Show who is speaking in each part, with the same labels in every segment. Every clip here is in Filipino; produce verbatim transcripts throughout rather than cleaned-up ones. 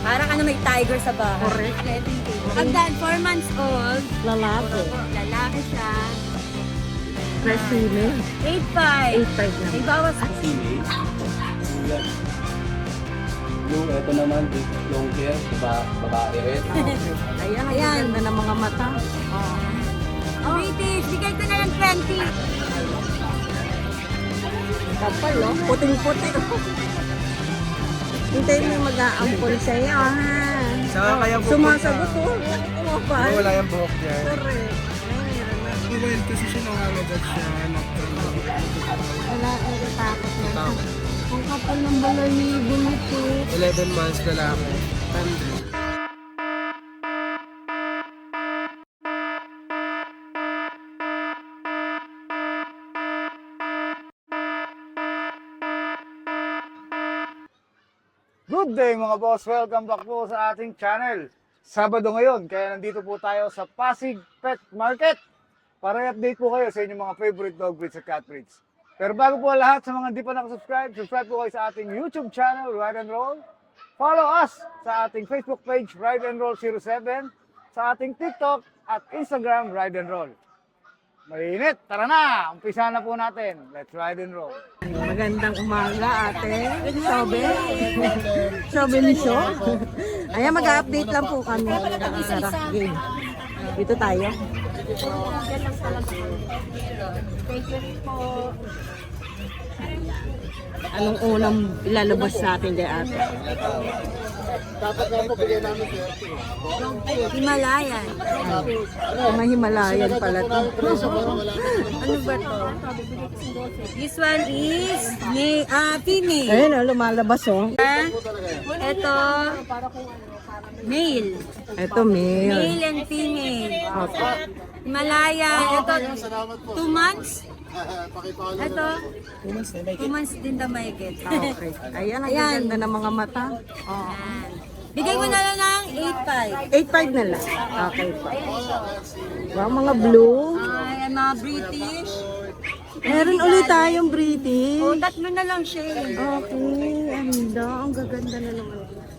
Speaker 1: Para ka na may tiger sa bahay.
Speaker 2: Correct.
Speaker 1: Pag dahil four months old,
Speaker 2: Lalaki.
Speaker 1: lalaki siya.
Speaker 2: Fresh female.
Speaker 1: eight five.
Speaker 2: eight five
Speaker 1: May
Speaker 2: lang.
Speaker 1: bawas.
Speaker 3: Yung ito naman, yung care, diba, babae rin.
Speaker 2: Ayan,
Speaker 1: Ayan.
Speaker 2: ang ganda ng mga mata. Oh.
Speaker 1: British, bigay ko na lang twenty.
Speaker 2: Kapal, oh. Puting-puti. Hintayin mo yung mag-aampol sa'yo, ha?
Speaker 4: Saka kaya po
Speaker 2: Sumasagot, oh. Kumapal.
Speaker 4: wala yung buhok dyan.
Speaker 2: Correct.
Speaker 4: Well, kasi siya nangangagat siya.
Speaker 2: Wala, natatakot na. Ang kapal ng balayibo nito.
Speaker 4: eleven months lalaki. Tanda.
Speaker 5: Good day mga boss! Welcome back po sa ating channel. Sabado ngayon, kaya nandito po tayo sa Pasig Pet Market para i-update po kayo sa inyong mga favorite dog breeds at cat breeds. Pero bago po lahat, sa mga hindi pa nakasubscribe, subscribe po kayo sa ating YouTube channel, Ride and Roll. Follow us sa ating Facebook page, Ride and Roll zero seven, sa ating TikTok at Instagram, Ride and Roll. Mainit! Tara na! Umpisa na po natin. Let's ride and roll.
Speaker 2: Magandang umaga, ate. Sobe. Sobe ni Sho. Ayan, mag-update lang po kami. Sarap game. Dito tayo.
Speaker 1: Thank you po.
Speaker 2: Anong unang ilalabas natin kay ate?
Speaker 1: Himalayan.
Speaker 2: Mga Himalayan pala to.
Speaker 1: Ano ba to? This one is may, ah, female.
Speaker 2: Ayun, oh, lumalabas, oh.
Speaker 1: Ah, ito, male.
Speaker 2: Ito, male.
Speaker 1: Male and female.
Speaker 2: Opo.
Speaker 1: Himalayan. Ito, two months. Ito, two months din na mahigit.
Speaker 2: Okay. Ayan, ang
Speaker 1: Ayan.
Speaker 2: ganda ng mga mata. Oh.
Speaker 1: Ayan. Bigay ko na lang ng eight five.
Speaker 2: eight five na lang. Okay po. Wow, mga blue.
Speaker 1: Ay, mga British.
Speaker 2: Meron ulit tayong British.
Speaker 1: O, tatlo na lang siya eh.
Speaker 2: Okay, anda. Ang gaganda na naman.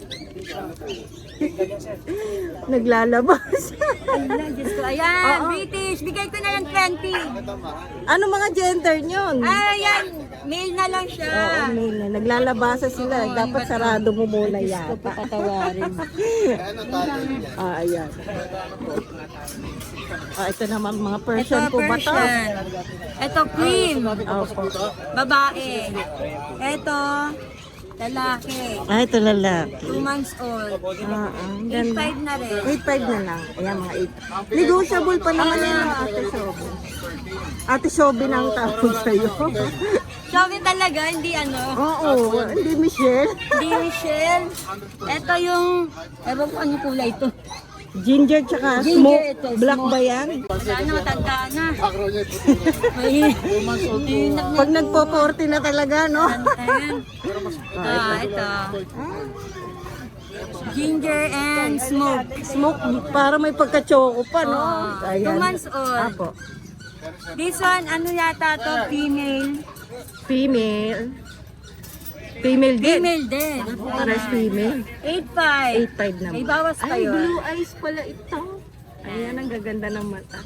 Speaker 2: Naglalabas.
Speaker 1: Ayan, Diyos ko. Ayan, British. Bigay ko na lang twenty.
Speaker 2: Ano mga gender nyon?
Speaker 1: Ayan, male na lang siya.
Speaker 2: Oo, male na. Naglalabasa sila. Dapat sarado mo muna yata.
Speaker 1: Patawarin.
Speaker 2: Ah, ayan. Ah, ito naman mga Persian
Speaker 1: Ito,
Speaker 2: po ba to?
Speaker 1: Persian. Ito, cream.
Speaker 2: Opo.
Speaker 1: Babae. Ito, lalaki.
Speaker 2: Ah, ito lalaki.
Speaker 1: Two months old.
Speaker 2: Ah, ah, ang
Speaker 1: eight
Speaker 2: ganda.
Speaker 1: five na rin.
Speaker 2: eight five na lang. Ayan, mga eight. Negotiable pa naman yan, Ate Shobe. Ate Shobe na ang tawag sa'yo.
Speaker 1: Sabi talaga, hindi ano.
Speaker 2: Oo, hindi Michelle.
Speaker 1: Hindi Michelle. Ito yung, ewan ko anong kulay ito.
Speaker 2: Ginger tsaka
Speaker 1: Ginger
Speaker 2: smoke.
Speaker 1: ito,
Speaker 2: Black
Speaker 1: smoke.
Speaker 2: ba yan?
Speaker 1: Wala na, matanda na. May, may,
Speaker 2: Pag nagpo-forty na talaga, no?
Speaker 1: Ayan. Ah, ito. Ginger and smoke.
Speaker 2: Smoke, para may pagka-choco pa, no?
Speaker 1: Oh, two months old.
Speaker 2: Apo.
Speaker 1: This one, ano yata to? Female.
Speaker 2: Female. Female din.
Speaker 1: Female din.
Speaker 2: Pares female.
Speaker 1: eight five.
Speaker 2: eight five naman.
Speaker 1: May bawas pa
Speaker 2: Ay,
Speaker 1: yun.
Speaker 2: blue eyes pala ito. Ayan, ang gaganda ng mata.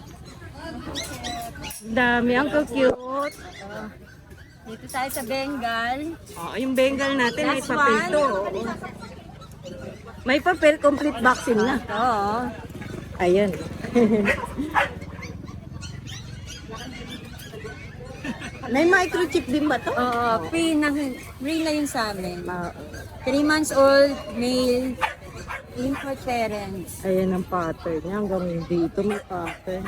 Speaker 2: Dami, ang cute.
Speaker 1: Dito tayo sa Bengal.
Speaker 2: Oh, yung Bengal natin, may
Speaker 1: Last
Speaker 2: papel
Speaker 1: one.
Speaker 2: to. oh. May papel, complete vaccine na.
Speaker 1: Oo.
Speaker 2: Ayan. May microchip din ba to?
Speaker 1: Oo, free na, free na yun sa amin.
Speaker 2: Ah,
Speaker 1: three months old, male, import parents.
Speaker 2: ayan ang pattern niya. Hanggang dito may pattern.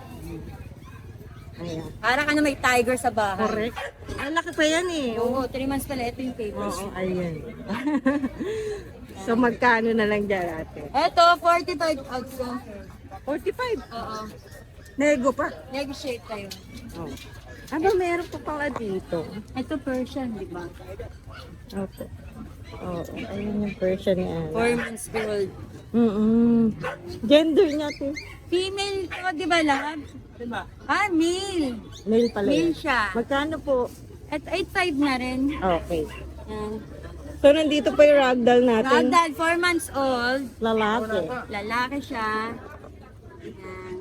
Speaker 2: Ayan.
Speaker 1: Para ka na may tiger sa bahay.
Speaker 2: Correct. Ang laki pa yan eh.
Speaker 1: Oo, three months pala. Ito yung papers.
Speaker 2: Oo, ayan. So magkano na lang dyan ate?
Speaker 1: Ito, forty-five also.
Speaker 2: forty-five.
Speaker 1: Oo.
Speaker 2: Nego pa.
Speaker 1: Negotiate tayo.
Speaker 2: Oh. Aba, meron pa pala dito.
Speaker 1: Ito Persian, di ba?
Speaker 2: Opo. Oo, ayun yung Persian ni Ana.
Speaker 1: Four months old.
Speaker 2: Mm-mm. Gender niya ito.
Speaker 1: Female to, di ba lahat? Diba? Ah, male.
Speaker 2: Male pala
Speaker 1: Male
Speaker 2: yan.
Speaker 1: siya.
Speaker 2: Magkano po?
Speaker 1: At eight five na rin.
Speaker 2: Okay.
Speaker 1: Yan.
Speaker 2: So, nandito pa yung ragdoll natin.
Speaker 1: Ragdoll, four months old.
Speaker 2: Lalaki.
Speaker 1: Lalaki siya. Ayan.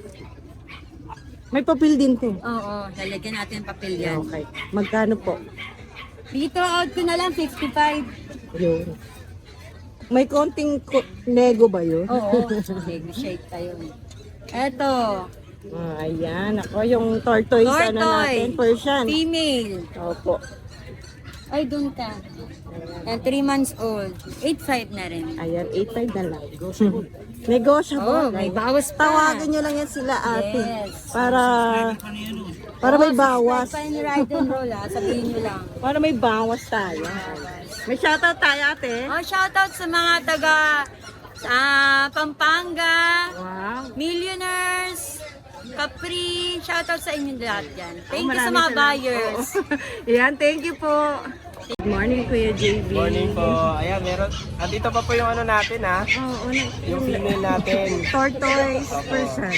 Speaker 2: May papel din to.
Speaker 1: Oo, lalagyan natin ng papel yan.
Speaker 2: Okay. Magkano po?
Speaker 1: Dito out ko na lang, fifty-five.
Speaker 2: Yun. May konting ko- nego ba yun?
Speaker 1: Oo, negotiate tayo. Eto,
Speaker 2: Ah, ayan. Ako, yung tortoise, ano natin,
Speaker 1: tortoise,
Speaker 2: Persian.
Speaker 1: female.
Speaker 2: Opo.
Speaker 1: Ay, doon ka. And three months old. eight five na rin.
Speaker 2: Ayan, eight five na lang. Negotiable.
Speaker 1: Oh, may bawas pa.
Speaker 2: Tawagan nyo lang yan sila ate.
Speaker 1: Yes.
Speaker 2: Para para may bawas.
Speaker 1: Pa ni ride and roll ah, sabihin nyo lang.
Speaker 2: Para may bawas tayo. May shoutout tayo ate.
Speaker 1: Oh, shoutout sa mga taga sa Pampanga,
Speaker 2: Wow.
Speaker 1: Millionaires, Capri, shoutout sa inyo lahat yan. Thank
Speaker 2: Oh,
Speaker 1: you sa
Speaker 2: maraming
Speaker 1: mga
Speaker 2: salamat.
Speaker 1: buyers.
Speaker 2: Oo. Ayan, thank you po. Good morning, Kuya J B.
Speaker 4: Morning po. Ayan, meron. Andito pa po yung ano natin ha.
Speaker 2: Oo, na,
Speaker 4: Yung female natin.
Speaker 2: tortoise person.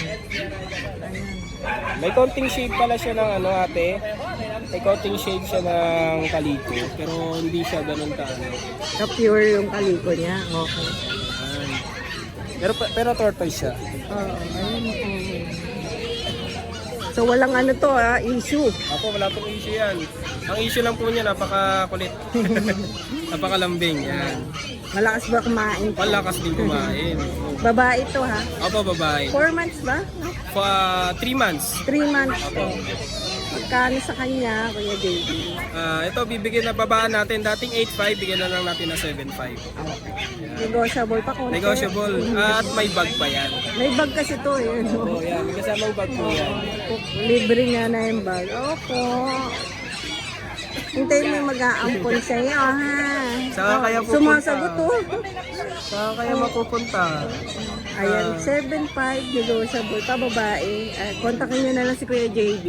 Speaker 4: May konting shade pala siya ng ano ate. May konting shade siya ng kaliko. Pero hindi siya ganun ka ano.
Speaker 2: Ka-pure yung kaliko niya. Okay.
Speaker 4: Ayan. Pero, pero tortoise siya.
Speaker 2: Oo, ayun, okay. So, walang ano to ah, issue.
Speaker 4: Ako, wala pong issue yan. Ang issue lang po niya, napaka-kulit. Napakalambing. Yan.
Speaker 2: Malakas ba kumain?
Speaker 4: Palakas din kumain.
Speaker 2: Babae to ha?
Speaker 4: Opo, babae.
Speaker 2: Four months ba?
Speaker 4: For uh, three months.
Speaker 2: Three months to. Magkano sa kanya, Kuya J B?
Speaker 4: Ah, ito, bibigyan na babaan natin. Dating eight five, bigyan na lang natin na seven five.
Speaker 2: Negotiable pa konti.
Speaker 4: Negotiable. Ah, at may bag pa yan.
Speaker 2: May bag kasi to eh. No?
Speaker 4: Oo, yan. May kasamang bag po yan.
Speaker 2: Libre nga na yung bag. Opo. Hintayin mo yung mag-aampon sa'yo, ha?
Speaker 4: Saka kaya pupunta.
Speaker 2: Sumasagot, oh.
Speaker 4: Saan kaya mapupunta?
Speaker 2: Ayan, seven five negotiable pa, babae. Uh, kontakin nyo na lang si Kuya J B.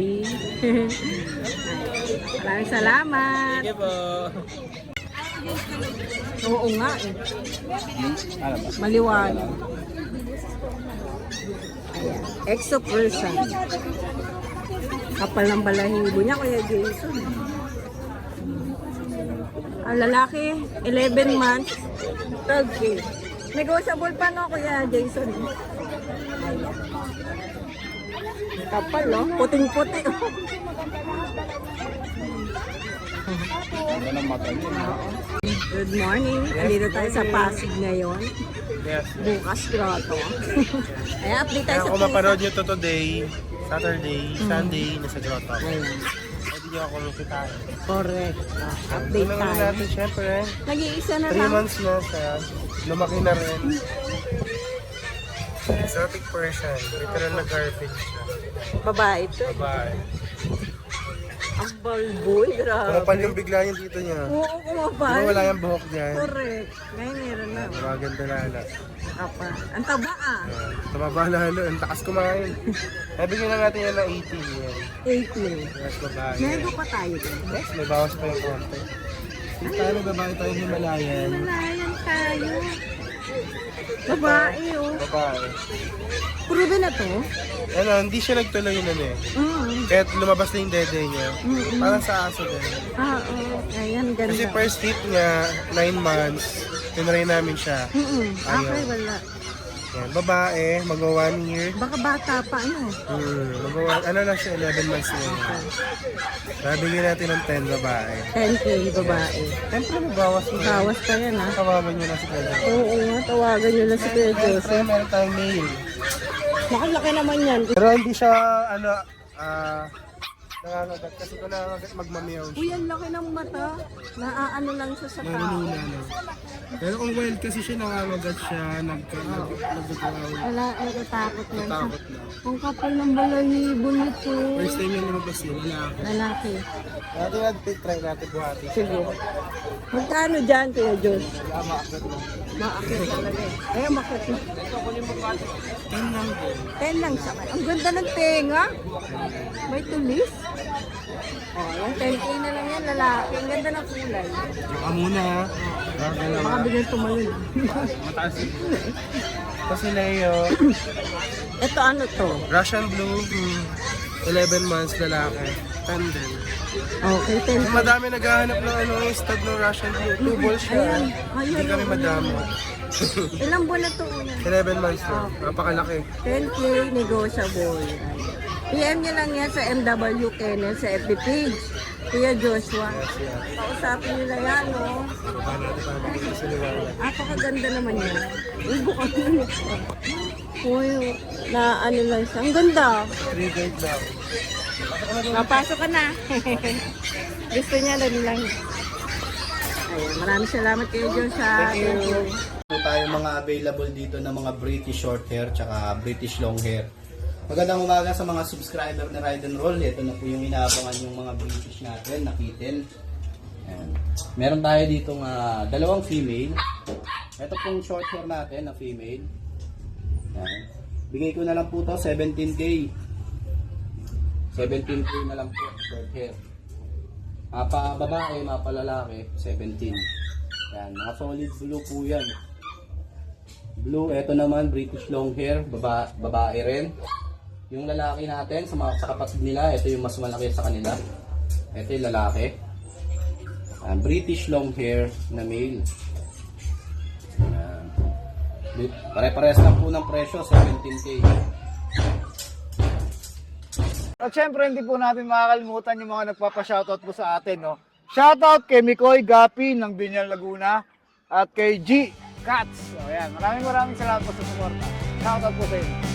Speaker 2: Maraming salamat.
Speaker 4: Sige po.
Speaker 2: Oo nga eh.
Speaker 3: Ano ba?
Speaker 2: Maliwanag. Ayan, exo person. Kapal ng balahibo niya, Kuya Jason. Ang lalaki, eleven months, twelve K. Negotiable pa no, Kuya Jason. Ayan. Kapal, no? Puting-puti.
Speaker 3: Ano ng mata niya?
Speaker 2: Good morning. Nandito tayo sa Pasig ngayon.
Speaker 4: Yes.
Speaker 2: Bukas grotto. Ayan, update tayo
Speaker 6: Kaya
Speaker 2: sa
Speaker 6: kung mapanood nyo to today, Saturday,
Speaker 2: Mm.
Speaker 6: Sunday, nasa grotto.
Speaker 2: Ayan.
Speaker 6: Pwede nyo ako makitaan.
Speaker 2: Correct. Update
Speaker 6: Una
Speaker 2: tayo.
Speaker 6: natin, syempre,
Speaker 2: Nag-iisa na
Speaker 6: three
Speaker 2: lang.
Speaker 6: months na siya. Lumaki na rin. Exotic Persian. Literal na garbage siya.
Speaker 2: Babae ito.
Speaker 6: Bye.
Speaker 2: Ang balboy, grabe.
Speaker 6: Kumapal yung bigla yung dito niya.
Speaker 2: Oo, kumapal.
Speaker 6: Diba wala yung buhok niyan?
Speaker 2: Correct. Ngayon meron na.
Speaker 6: Maganda na ala.
Speaker 2: Apa. Ang taba ah.
Speaker 6: Uh, tumaba na halo. Ang takas kumain. Kaya bigyan na natin yan ng eighteen yan.
Speaker 2: eighteen.
Speaker 6: Yes, babae.
Speaker 2: Nego pa tayo dun.
Speaker 6: Yes, may bawas pa yung konti. Tayo babae tayo Himalayan.
Speaker 2: Malayan tayo. Babae oh.
Speaker 6: Babae.
Speaker 2: Proven na to.
Speaker 6: Ano, hindi siya nagtuloy nun eh.
Speaker 2: Mm.
Speaker 6: Kaya lumabas na yung dede niya.
Speaker 2: Mm-mm.
Speaker 6: Parang sa aso din.
Speaker 2: Ah, oo. Ayan, ganda.
Speaker 6: Kasi first hit niya, nine months, tinry namin siya.
Speaker 2: Mm-mm.
Speaker 6: Ayaw.
Speaker 2: Okay, wala.
Speaker 6: Yan, babae, mag-one year.
Speaker 2: Baka bata pa ano.
Speaker 6: Hmm, mag ano lang siya, eleven months na yun. Nabigyan natin ng ten babae.
Speaker 2: ten K babae.
Speaker 6: Siyempre, may bawas na.
Speaker 2: Bawas pa yan ha.
Speaker 6: Kawawan nyo na si Kuya.
Speaker 2: Oo nga, tawagan nyo lang si Kuya
Speaker 6: Siyempre,
Speaker 2: Joseph.
Speaker 6: meron tayong male.
Speaker 2: Nakalaki naman yan.
Speaker 6: Pero hindi siya, ano, ah, nangangagat. Kasi kung nangangagat, magmamiyaw siya.
Speaker 2: Uy, ang laki ng mata. Naaano lang siya sa tao.
Speaker 6: Nanununa, no? Pero kung wild kasi siya, nangangagat siya, nagka, nag, nagkakaroon.
Speaker 2: Wala, natatakot lang siya.
Speaker 6: Takot na.
Speaker 2: Ang kapal ng balahibo nito.
Speaker 6: First time yung lumabas yun, lalaki.
Speaker 2: Lalaki.
Speaker 6: Natin natin, try natin buhati.
Speaker 2: Sige. Magkano dyan, Kuya Jos? Maakit talaga eh. Ay, makit.
Speaker 6: Ten lang po.
Speaker 2: Ten lang siya. Ang ganda ng tenga. May tulis. Oh, yung ten K na lang yan, lalaki. Ang ganda ng kulay.
Speaker 6: Baka muna ha. Baka lang
Speaker 2: Baka
Speaker 6: ha.
Speaker 2: bigyan tumalun.
Speaker 6: Mataas yun. Ito si Leo.
Speaker 2: Ito ano to?
Speaker 6: Russian Blue. hmm, eleven months lalaki. ten din.
Speaker 2: Okay, ten
Speaker 6: Kung madami naghahanap ng ano, yung stud ng Russian Blue. Two balls siya.
Speaker 2: Ayan.
Speaker 6: Hindi
Speaker 2: Ayan,
Speaker 6: kami
Speaker 2: oh,
Speaker 6: madami.
Speaker 2: Ilang buwan na to?
Speaker 6: eleven months na. Napakalaki.
Speaker 2: ten K negotiable. P M niyo lang yan sa M W Kennel sa F B page. Kuya Joshua. Kausapin nila yan, no?
Speaker 6: Paano natin paano magiging siliwangan?
Speaker 2: Apakaganda naman yan. Uy, bukang yun. Uy, na ano lang siya. Ang ganda.
Speaker 6: three guard lang.
Speaker 2: Napasok ka na. Gusto niya lang lang. Ayun, maraming salamat kayo, Joshua. Thank you.
Speaker 3: Po tayo mga available dito na mga British short hair tsaka British long hair. Magandang umaga sa mga subscriber na Ride and Roll. Ito na po yung inaabangan yung mga British natin, nakitin. Ayan. Meron tayo dito uh, dalawang female. Ito pong short hair natin na female. Ayan. Bigay ko na lang po to seventeen K. seventeen K na lang po short hair. Mapa babae, mapa lalaki, seventeen. Ayan, mga solid blue po yan. Blue, ito naman British long hair, baba, babae rin. Yung lalaki natin, sa mga sa kapatid nila, ito yung mas malaki sa kanila. Ito yung lalaki. Ayan, British long hair na male. Ayan. Pare-pares lang po ng presyo, seventeen K.
Speaker 5: At syempre, hindi po natin makakalimutan yung mga nagpapa-shoutout po sa atin, no? Shoutout kay Mikoy Gapi ng Binyan, Laguna at kay G Cats. So, ayan. Maraming maraming salamat po sa suporta. Shoutout po sa inyo.